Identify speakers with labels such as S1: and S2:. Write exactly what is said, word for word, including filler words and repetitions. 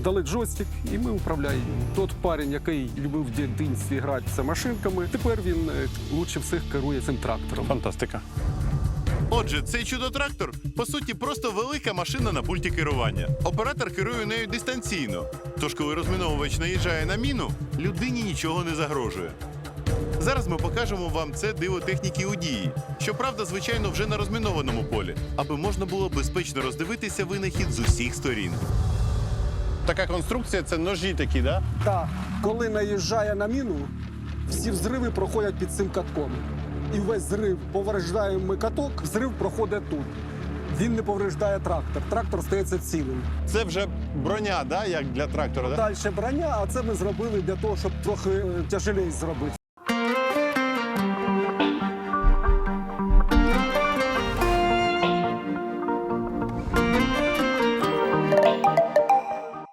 S1: дали джойстик, і ми управляємо. Тот парень, який любив в дитинстві гратися машинками, тепер він е, лучше всіх керує цим трактором.
S2: Фантастика.
S3: Отже, цей чудо-трактор, по суті, просто велика машина на пульті керування. Оператор керує нею дистанційно. Тож, коли розміновувач наїжджає на міну, людині нічого не загрожує. Зараз ми покажемо вам це диво техніки у дії. Щоправда, звичайно, вже на розмінованому полі, аби можна було безпечно роздивитися винахід з усіх сторін.
S2: Така конструкція – це ножі такі, да?
S1: Так, коли наїжджає на міну, всі взриви проходять під цим катком. І весь зрив повреждаємо каток, взрив проходить тут. Він не повреждає трактор, трактор стається цілим.
S2: Це вже броня, да? Як для трактора, да?
S1: Далі броня, а це ми зробили для того, щоб трохи е, тяжеліше зробити.